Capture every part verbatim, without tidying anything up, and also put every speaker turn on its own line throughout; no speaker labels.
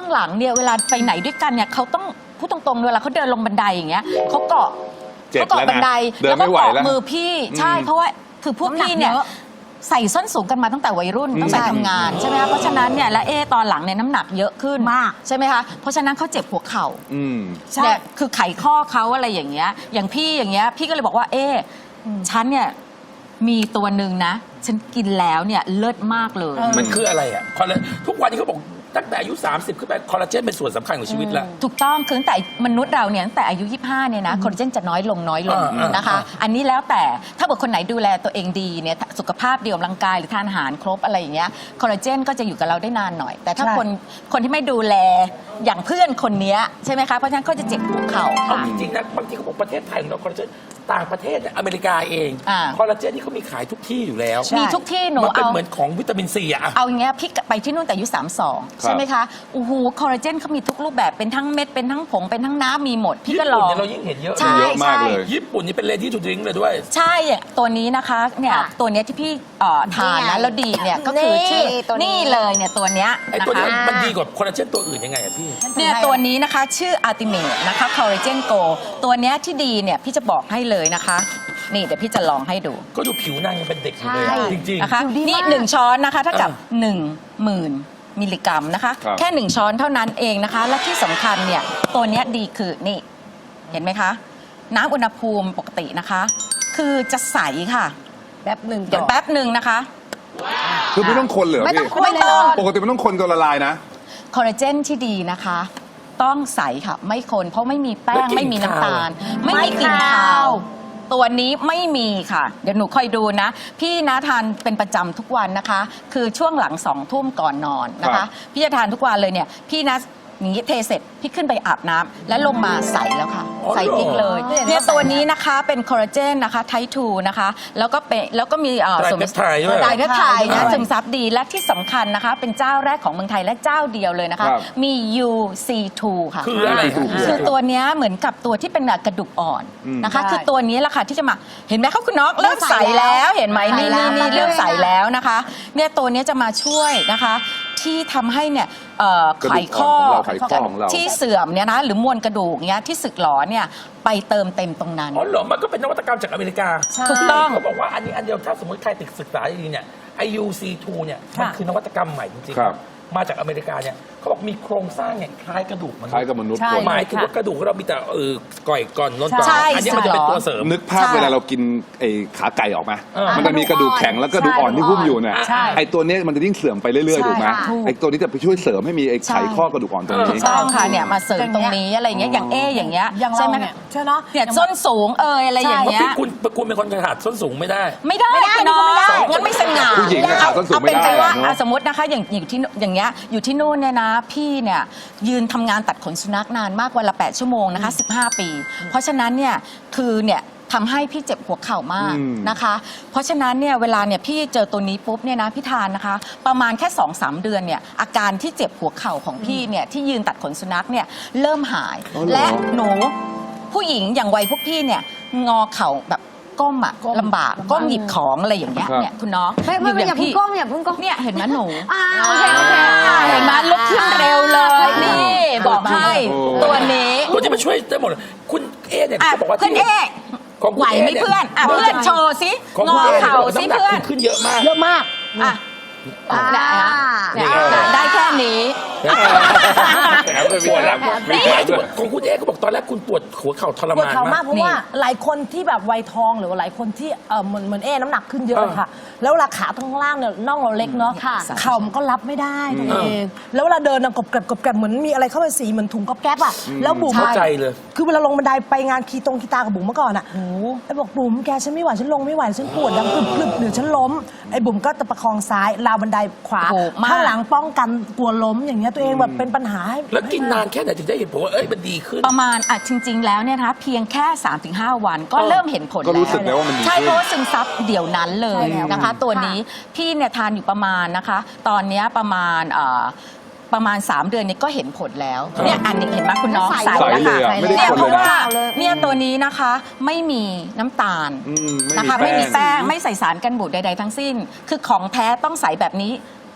หลังเนี่ยเวลาไปไหนด้วยกันเนี่ยเขาต้องพูดตรงๆเวลาเขาเดินลงบันไดอย่างเงี้ยเขาเกาะเขาเกาะบันไดแล้วก็เกาะมือพี่ใช่เพราะว่าคือพวกพี่เนี่ยใส่ส้นสูงกันมาตั้งแต่วัยรุ่นตั้งแต่ทำงานใช่ไหมคะเพราะฉะนั้นเนี่ยและเอตอนหลังเนี่ยน้ำหนักเยอะขึ้นมากใช่ไหมคะเพราะฉะนั้นเขาเจ็บหัวเข่าใช่คือไขข้อเขาอะไรอย่างเงี้ยอย่างพี่อย่างเงี้ยพี่ก็เลยบอกว่าเอฉันเนี่ยมีตัวหนึ่งนะฉันกินแล้วเนี่ยเลิศมากเลย
มันคืออะไรอ่ะทุกวันนี้เขาบอกตั้งแต่อายุสามสิบขึ้นไปคอลลาเจนเป็นส่วนสำคัญของชีวิตแล้ว
ถูกต้องคือตั้งแต่มนุษย์เราเนี่ยตั้งแต่อายุยี่สิบห้าเนี่ยนะคอลลาเจนจะน้อยลงน้อยลงนะคะอันนี้แล้วแต่ถ้าเกิดคนไหนดูแลตัวเองดีเนี่ยสุขภาพดีออกกำลังกายหรือทานอาหารครบอะไรอย่างเงี้ยคอลลาเจนก็จะอยู่กับเราได้นานหน่อยแต่ถ้าคนคนที่ไม่ดูแลอย่างเพื่อนคนนี้ใช่ไหมคะเพราะฉะนั้นเขาจะเจ็บหัวเข่า
ค่ะจริงๆนะบางทีเขาบอกประเทศไทยของเราคอลลาเจนต่างประเทศอเมริกาเองคอลลาเจนนี่เขามีขายทุกที่อยู่แล้ว
มีทุกที่หนู
มันเป็นเหมือนของวิตามินซีอะ
เอาอย่างเงี้ยพี่ไปที่นู่นแต่อายุสามสองใช่ไหมคะโอ้โหคอลลาเจนเขามีทุกรูปแบบเป็นทั้งเม็ดเป็นทั้งผงเป็นทั้งน้ำมีหมดพี่ก็ลอง
เรายิ่งเห็นเยอะ
ใช่ใช่
ญี่ปุ่นนี่เป็นเลดี้ทูดริงเลยด้วย
ใช่ตัวนี้นะคะเนี่ยตัวนี้ที่พี่ทานนะแล้วดีเนี่ยก็คือชื่อนี่เลยเนี่ยตัวเนี้ย
ไอ้ตัวนี้มันดีกว่าคอลลาเจนตัวอื่นยังไงอะพี่
เนี่ยตัวนี้นะคะชื่ออัลติเมทนะคะคอลลาเจนโกตัวเนี้ยที่ดีเนี่ยพี่จะบอกให้เลยนะคะนี่เดี๋ยวพี่จะลองให้ดู
ก็ดูผิวนางยังเป็นเด็กอยู่เลยจริงๆ
นะคะนี่หนึ่งช้อนนะคะเท่ากับหนึ่งหมื่นมิลลิกรัมนะคะแค่หนึ่งช้อนเท่านั้นเองนะคะและที่สำคัญเนี่ยตัวนี้ดีคือนี่เห็นไหมคะน้ำอุณหภูมิปกตินะคะคือจะใสค่ะ
แป๊บหนึ่ง
เดี๋ยวแป๊บหนึ่งนะคะ
คือไม่ต้องคนเหรอ
ไม่ต้องคนเลย
ปกติมันต้องคนตัวละลายนะ
คอลลาเจนที่ดีนะคะต้องใสค่ะไม่คนเพราะไม่มีแป้งไม่มีน้ำตาลไม่มีกลิ่นคาวตัวนี้ไม่มีค่ะเดี๋ยวหนูคอยดูนะพี่นะทานเป็นประจำทุกวันนะคะคือช่วงหลังสองทุ่มก่อนนอนนะคะพี่จะทานทุกวันเลยเนี่ยพี่นะนี้เทเสร็จพี่ขึ้นไปอาบน้ำและลงมาใสแล้วค่ะใสอีกเลยเนี่ยตัวนี้นะคะเป็นคอลลาเจนนะคะไทป์ทูนะคะแล้วก็เป็นแล้วก็มี
สมไทยด้วย
ไตรไทยนะซึมซับดีและที่สำคัญนะคะเป็นเจ้าแรกของเมืองไทยและเจ้าเดียวเลยนะคะมี ยู ซี ทู ค่ะ
คืออะไร
คือตัวนี้เหมือนกับตัวที่เป็นกระดูกอ่อนนะคะคือตัวนี้แหละค่ะที่จะมาเห็นไหมเขาคุณน้องเริ่มใสแล้วเห็นไหมนี่นี่เริ่มใสแล้วนะคะเนี่ยตัวนี้จะมาช่วยนะคะที่ทำให้เนี่ยไขข้อที่เสื่อมเนี่ยนะหรือมวลกระดูกเนี่ยที่สึกหรอเนี่ยไปเติมเต็มตรงนั้น
อ๋อเหรอมันก็เป็นนวัตกรรมจากอเมริกา
ถูกต้อง
เขาบอกว่าอันนี้อันเดียวถ้าสมมติใครติดศึกษาดีเนี่ยไอ ยู ซี ทู เนี่ยมันคือนวัตกรรมใหม่จริงๆมาจากอเมริกาเนี่ยเขาบอกมีโครงสร้างเนี่ยคล้ายกระดูกมนุษย์
คล้ายกับมนุษย์
หมายถึงว่ากระดูกเรามีแต่เออก่อยก่อนล้นก่อนอันนี้มันจะเป็นตัวเสริม
นึกภาพเวลาเรากินไอ้ขาไก่ออกมามันจะมีกระดูกแข็งแล้วกระดูกอ่อนที่หุ้มอยู่เนี่ยไอ้ตัวนี้มันจะยิ่งเสื่อมไปเรื่อยๆถูกไหมไอ้ตัวนี้จะไปช่วยเสริมให้มีไอ้ไขข้อกระดูกอ่อนตรงนี้
ถูกต้องค่ะเนี่ยมาเสริมตรงนี้อะไรเงี้ยอย่างเออย่างเงี้ยใช่ไหมใช่เนาะเนี่ยส้นสูงเอออะไรอย่างเงี้ย
คุณคุณเป็นคนขาดส้นสูงไม่ได้
ไม่ได้น้องงั้นไม่สง่า
ผู้หญิงขาดส้นสูงไม่ได้
สมมตินะคะอย่างอยู่ที่อย่างเงี้ยอยู่ที่นู่นเนี่ยนะพี่เนี่ยยืนทำงานตัดขนสุนัขนานมากวันละแปดชั่วโมงนะคะสิบห้าปีเพราะฉะนั้นเนี่ยคือเนี่ยทำให้พี่เจ็บหัวเข่ามากนะคะเพราะฉะนั้นเนี่ยเวลาเนี่ยพี่เจอตัวนี้ปุ๊บเนี่ยนะพี่ทานนะคะประมาณแค่ สองสาม เดือนเนี่ยอาการที่เจ็บหัวเข่าของพี่เนี่ยที่ยืนตัดขนสุนัขเนี่ยเริ่มหายและหนูผู้หญิงอย่างวัยพวกพี่เนี่ยงอเข่าแบบก้มอะลำบากก้มหยิบของอะไรอย่างเงี้ยเนี่ยคุณน้อง
ไม่ไม่อย่าเพิ่งก้มอย่าเพิ่งก้ม
เนี่ยเห็นไหมหนู
โอเคโอเค
เห็นไหมลุกขึ้นเร็วเลยนี่บอกให้ตัวนี้
ตัวที่มันช่วยได้หมดคุณเอเนี่ยเขาบอกว่า
เพื่อนเอไหวไหมเพื่อนอ่ะเพื่อนโชว์สิงอเข่าสิเพื่อน
ขึ้นเยอะมาก
เยอะมาก
อ่ะได้แค่นี้
ปวดแล้วของคุณเอ๊ก็บอกตอนแรกคุณปวดหัวเข่าทรมาน
มากเพราะว่าหลายคนที่แบบวัยทองหรือว่าหลายคนที่เออเหมือนเหมือนเอ๊น้ำหนักขึ้นเยอะค่ะแล้วราขาทั้งล่างเนี่ยน่องเราเล็กเนาะเข่ามันก็รับไม่ได้ตัวเองแล้วเวลาเดินกบแกรบกบแกรบเหมือนมีอะไรเข้าไปสีเหมือนถุงก๊อบแก๊บอ่ะแล้วบุ๋ม
เข้าใจเลย
คือเวลาลงบันไดไปงานคีตรงคีตากับบุ๋มเมื่อก่อนอ่ะไอ้บอกบุ๋มแกฉันไม่ไหวฉันลงไม่ไหวฉันปวดดังกรึบกรึบหรือฉันล้มไอ้บุ๋มก็จะประคองซ้ายราวบันไดขวาข้างหลังป้องกันกลัวล้มอย่างเงี้ยตัวเองแบบเป็นปัญหา
แล้วกินนานแค่ไหนถึงได้เห็นผลว่าเอ้ยมันดีขึ้น
ประมาณอ่ะจริงๆแล้วเนี่ยนะคะเพียงแค่ สามถึงห้า วันก็เริ่มเห็นผลแล้ว
ก็รู้สึกแล้วว่ามันดีขึ้น
ใช่เพราะซึมซับเดี๋ยวนั้นเลยนะคะตัวนี้พี่เนี่ยทานอยู่ประมาณนะคะตอนนี้ประมาณประมาณสามเดือนนี้ก็เห็นผลแล้วเนี่ยอันนี้เห็นไหมคุณน้องใสแล้วค่ะเนี่ยเพราะว่าเนี่ยตัวนี้นะคะไม่มีน้ำตาลนะคะไม่มีแป้งไม่ใส่สารกันบูดใดๆทั้งสิ้นคือของแท้ต้องใสแบบนี้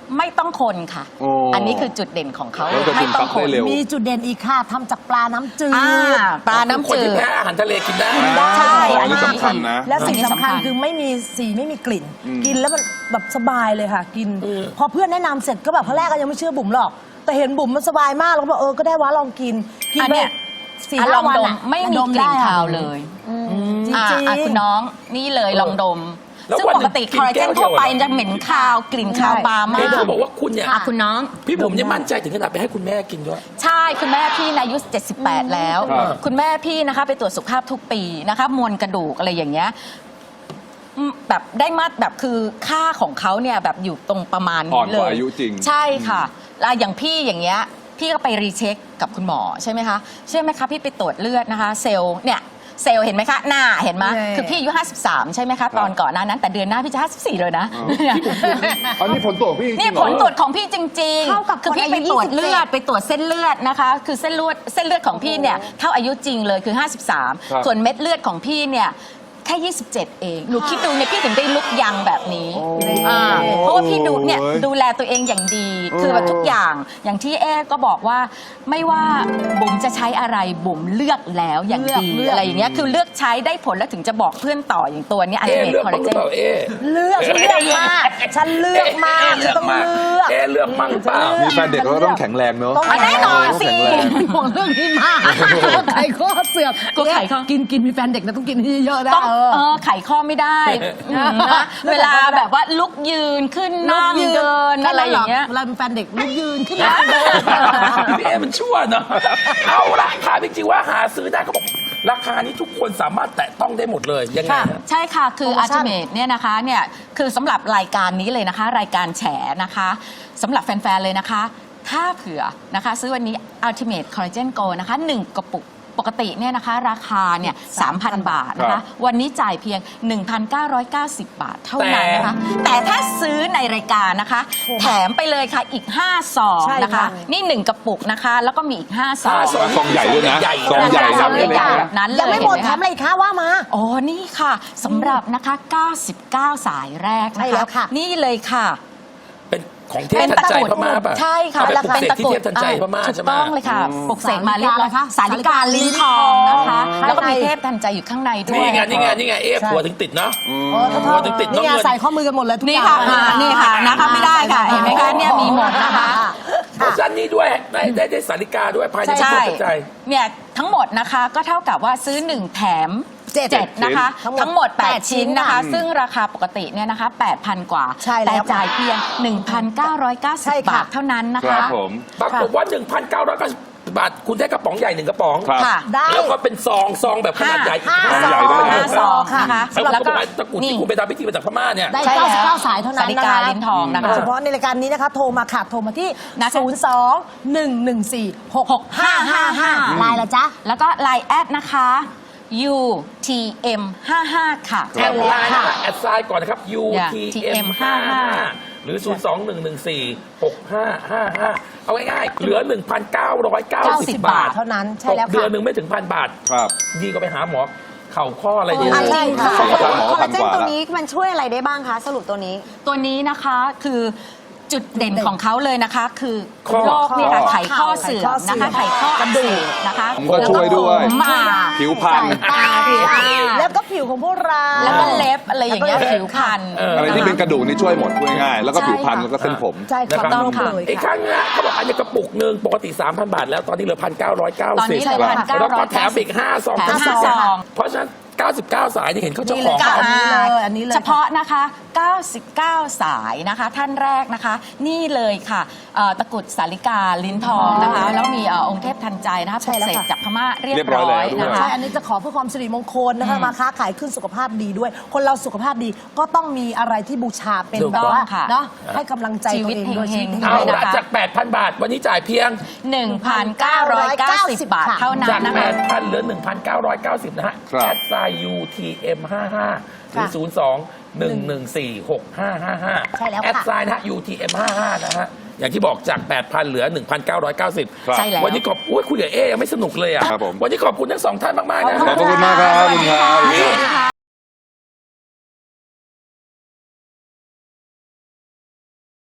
ไม่ต้องคนค่ะ
โอ้
อันนี้คือจุดเด่นของเขา
แล้วจะ
ไม่
ซึม
ต้
ซั
อบ งค
ได้
น
เร็ว
มีจุดเด่นอีกค่ะทำจากปลาน้ำจืด
อ่าปลาน้ำ
คน
จื
ที่
ด
แพ้อาหารทะเลกินได้
ได้
ใช่
อั
อั
น
น
นี้
นี้
สำคัญนะ
และสิ่ง
อันนี้
สำคัญ
สำคัญ
คือไม่มีสีไม่มีกลิ่น
อืม
กินแล้วมันแบบสบายเลยค่ะ กิน
อืม
พอเพื่อนแนะนำเสร็จก็แบบครั้งแรกก็ยังไม่เชื่อบุ๋มหรอก แต่เห็นบุ๋มมันสบายมากแล้วก็บอกเออก็ได้วะลองกินกิน
อัน
ไป
เนี้ย
สี่
อ่ะ
ห้า
ลอง
วัน
ดม
อะ
ไม่มี
ด
กลิ่น
ได้อะ
คาวเลย
จริง
อ่ะ
ๆ
อ่ะคุณน้องนี่เลยลองดม
แล้ว
ซึ่ง
วัน
ป
หนึ่
ก
ง
ติ
กิ
คน อลลา
แก้
เจ
วน เดี
ทั่
ยว ว
ไป
เหรอ
จะเหม็นคาวกลิ่นคาวปลามาก
เห็นเขาบอกว่าคุณเนี่ย
อ่ะคุณน้อง
พี่บุ๋มเนี่ยมั่นใจถึงขนาดไปให้คุณแม่กินด้วย
ใช่คุณแม่พี่นะอายุเจ็ดสิบแปดแล้ว
ครับ
คุณแม่พี่นะคะไปตรวจสุขภาพทุกปีนะคะมวลกระดูกอะไรอย่างเงี้ยอืมแบบได้มาตรแบบคือค่าของเขาเนี่ยแบบอยู่ตรงประมาณ
อ่อ
นี้
น
เล
กว่าย อายุจริง
ใช่ค่ะแล้วอย่างพี่อย่างเงี้ยพี่ก็ไปรีเช็คกับคุณหมอใช่ไหมคะใช่ไหมคะพี่ไปตรวจเลือดนะคะ เซลล์เนี่ยเซลล์เห็นไหมคะหน้าเห็นไหม
ใช่
คือพี่อายุห้าสิบสามใช่ไหมคะตอนก่อนหน้านั้นแต่เดือนหน้าพี่จะห้าสิบสี่เลยนะ
อันนี้ผลตรวจพี่จริง
นี่
เหร
ผ
อ
ลตรวจของพี่จริงๆ
เท่ากับ
คือพี่
คน
ไป
อายุ
ตรวจ
ยี่สิบเจ็ด
เลือดไปตรวจเส้นเลือดนะคะ คือเส้นเลือดเส้นเลือดของพี่เนี่ยเท่าอายุจริงเลยคือ ห้าสิบสาม
ครับ
ส่วนเม็ดเลือดของพี่เนี่ยแค่ ยี่สิบเจ็ด เอง หนูคิดดูเนี่ยพี่ถึงได้ลุกยังแบบนี้
โอ้
อ่าเพราะว่าพี่ดูเนี่ย
โอ้ย
ดูแลตัวเองอย่างดี
โอ้
คือแบบทุกอย่างอย่างที่เอ๊ก็บอกว่าไม่ว่าบุ๋มจะใช้อะไรบุ๋มเลือกแล้วอย่าง
เลือก
ดี
เลือก
อะไรอย่างเงี้ยคือเลือกใช้ได้ผลแล้วถึงจะบอกเพื่อนต่ออย่างตัวเนี้อัล
เอ๊ะ
ติเมท
เลือก
คอล
บ้า
ลาง
ห
เจ
รือเปล่าเอ๊ะ
เลือกฉันเลือกมากฉันเลือกมาก
เอ๊ะเลือก
ต้อง
มาก
เลือก
เอ๊ะเลือกมั่งเปล่า
มีแฟนเด็กเราก็ต้องแข็งแรงเนอะ
ต้อง
อ่ะแน่นอนสิ
ต้องแข็งแรง
ห่วงเรื่องนี้มากไข่ข้อเสื่อม
กลัวไขข้อ
กินกินมีแฟนเด็กนะต้องกินให้เยอะๆนะ
ต้อง
เอ
เอ
อ
อไขข้อไม่ได้อืมนะ
เลือก
เวลาแบบว่าลุกยืนขึ้นนั่งเดินอะไรอย่างเงี้ย
เวลาเป็นแฟนเด็กลุกยืนขึ้นนั่งเดิน
พี่เอมันชั่วเนาะเอาละถามจริงๆว่าหาซื้อได้เขาบอกราคานี้ทุกคนสามารถแตะต้องได้หมดเลยยังไง
ค่ะ
ฮะ
ใช่ค่ะ คือ
โปรโมชั่น
Ultimate เนี่ยนะคะเนี่ยคือสำหรับรายการนี้เลยนะคะ รายการแฉนะคะสำหรับแฟน ๆ เลยนะคะ ถ้าเผื่อนะคะซื้อวันนี้ Ultimate Collagen Go นะคะหนึ่งกระปุกปกติเนี่ยนะคะราคาเนี่ย สามพัน บาทนะ
ครั
คะ
บ
วันนี้จ่ายเพียง หนึ่งพันเก้าร้อยเก้าสิบ บาทเท่านั้นนะคะ แต่ถ้าซื้อในรายการนะคะ แถมไปเลยค่ะอีกห้าซอง
ใช่
นะคะ
ค่ะ
นี่หนึ่งกระปุกนะคะ แล้วก็มีอีกห้าซอง
ห้าซอง
ซองใหญ่ด้วยนะ
ใหญ่
ซองใหญ่
ซอง
นะ
ใหญ่ๆแบบนั้นเลย
ยังไม่หมด
เน
แถ
คะ
มอะไรอีกคะว่ามา
อ๋อ นี่ค่ะสำหรับนะคะ เก้าสิบเก้า สายแรก
ใช่
นะ
แล้
คะ
วค่ะ
นี่เลยค่ะ
เป็นของเทพทันใจพม่าป่ะ
ใช่ค่ะ
เอาไปปลุกเสกที่เทพทันใจพม่า
ถู
ใช่
ก
ไหม
ต้องเลยค่ะปลุกเสกมาเรียบร้อย
สา
สา
ลิ
ลิ
กาก
า
ลิ้
ลิ้
น
น
ท
ท
อ
อง งนะคะ
ข้างใน
แล้วก็มีเทพทันใจอยู่ข้างในด้วย
นี่ไงนี่ไงนี่ไงเอ๊ะ
ใช่
ผัวถึงติดเนาะ
โอ้ถ้า
หัวถึงติด
นี่ไง
น้องเงิน
ใส่ข้อมือกันหมดเลยทุก
นี่
อย่าง
ค่ะอ่านี่ค่ะนะคะไม่ได้ค่ะ เห็นไหมคะเนี่ยมีหมดนะคะ
เพราะฉะนั้นนี่ด้วยได้ได้ได้สาริกาด้วยภายในเท
ใช่
พทันใจ
เนี่ยทั้งหมดนะคะก็เท่ากับว่าซื้อหนึ่งแถม
เจ็ด
เจ็ดนะคะ
ทั้งหมด
ทั้งหมด
แป
แป
ด
ด
ชิ้
ชิ้
น
นนะคะ
อืม
ซึ่งราคาปกติเนี่ยนะคะแปดพัน กว่า
ใช่แล้ว
แต่จ่ายเพียง หนึ่งพันเก้าร้อยเก้าสิบ
ใช่ค่ะ
บาทเท่านั้นนะ
ครั
คะ
บผม
ปรากฏว่า หนึ่งพันเก้าร้อยเก้าสิบ บาท คุณได้กระป๋องใหญ่หนึ่งกระป๋อง
ครับ
ค่ะ
ได้
แล้วก็เป็นซองซองแบบขนาดใหญ่อีก
ห้า
ห้า
ซ
ใหญ่
อง
ด้วย
ห้าซองนะคะ
แล้ว
แล้ว
ก็
ก็
ตะกรุดที่คุณไปทำพิธีมาจากพม่าเนี่ย
ได้
ใช่แล้ว
เก้าสิบเก้าสายเท่านั้น
สาลิกาลิ้นทองนะคะ
เฉพาะในรายการนี้นะคะ โทรมาค่ะ โทรมาที่
นะคะ
ศูนย์ สอง หนึ่ง หนึ่ง สี่ หก ห้า ห้า ห้า
อืม
ไลน์ละจ๊ะ
แล้วก็ ไลน์ แอดนะคะ ยู ที เอ็ม ห้าสิบ ค่ะ
แอดไลน์นะคะแอดไซน์ก่อนนะครับ ยู ที เอ็ม ห้าห้า หรือ ศูนย์ สอง หนึ่ง หนึ่ง สี่ หก ห้า ห้า ห้า เอาง่ายๆ เหลือ หนึ่งพันเก้าร้อยเก้าสิบ บาท
เท่านั้นใช่
ตก
แล้ว
เดือน
ค่ะ
หนึ่งไม่ถึงพันบาท
ครับ
ดีก็ไปหาหมอเข่าข้ออะไรดี
อ่ะ
เลย
ใช่ค่ะ
สี่พันหมอ
คอล
พั
ลาน เจ
ก
น
ว่า
ตัว
ละ
นี้มันช่วยอะไรได้บ้างคะสรุปตัวนี้
ตัวนี้นะคะคือจุดเด่นของเขาเลยนะคะ คือ
ข้อ
โรคเนี่ยค่ะ
ข้อ
ไขข้อเสื่อมนะคะไขข้อกระดูกนะคะ
ผมก็ช่วยด้วย
แล้ก็ผมอ่า
ผิวพรรณ
ตาผิวแล้วก็ผิวของพวกเรา
แล้วก็เล็บอะไรอย่างเงี้ยผิวพรรณ
เออ
อะไรที่เป็นกระดูกนี่ช่วยหมดพูดง่ายๆแล้วก็
ใช่
ผิวพรรณ
ค่ะ
แล้วก็เส้นผม
ใช่
นะ
ค่ะ
ครับ
ต้องค่ะ
เลย
อีกค
ค่ะ
รั้งนะเขาบอกอันนี้กระปุกหนึ่งปกติ สามพัน บาท แล้วตอนนี้เหลือ หนึ่งพันเก้าร้อยเก้าสิบ
ตอนนี้เลย
ครับ
พันเก้า
แล้ว
ร้
ก็
อย
แถมอีกห้าซอง
แถม
ห้า
ห้าซอง
เพราะฉะนั้น เก้าสิบเก้า สายนี่เห็นเขาเจ้าของ
นี่
เขา
เลย อันนี้เลย
เฉพาะนะคะ เก้าสิบเก้า สายนะคะ ท่านแรกนะคะ นี่เลยค่ะเอ่อตะกรุดสาลิกาลิ้นทองนะคะ แล้วมีเอ่อองค์เทพทันใจนะคะป
ใช่
ลุก
แล้ว
เสก
ค่ะ
จากพม่าเรีย
เรีย
บบ
ร้อย
ร้อย
แล้วด้วย
นะคะ
ใช่ อันนี้จะขอเพื่อความสิริมงคลนะคะ
อืม
มาค้าขายขึ้นสุขภาพดีด้วย คนเราสุขภาพดีก็ต้องมีอะไรที่บูชาเป็น
ถูก
แบ
ต้
บ
อง
ว่า
ค่ะ
เนาะให้กำลังใจ
ชี
ตัว
วิต
เองด้วย
เฮงๆ
ชีวิต
เอา
ด้วย
ละ
นะคะ
จาก แปดพัน บาท วันนี้จ่ายเพียง
หนึ่งพันเก้าร้อยเก้าสิบ บาทเท่านั้
จาก
นนะ
แป
คะ
ดพันเหลือ หนึ่งพันเก้าร้อยเก้าสิบ นะฮะ
ครับ
แอดไซน์ ยู ที เอ็ม ห้าห้า หรือ
ค่ะ
ศูนย์ สอง หนึ่ง หนึ่ง สี่ หก ห้า ห้า ห้า
ใช่แล้วค่ะ
แอดไซน์นะฮะ ยู ที เอ็ม ห้าห้า นะฮะ อย่างที่บอกจาก แปดพัน เหลือ หนึ่งพันเก้าร้อยเก้าสิบ
ครับ
ใช่แล้ว
วันนี้ขอบอุ้ยคุยกับเอ๊ยังไม่สนุกเลยอ่ะ
ครับผม
วันนี้ขอบคุณทั้งสองท่านมากๆนะ
ขอบคุณมากครับขอบคุณครับ
นี่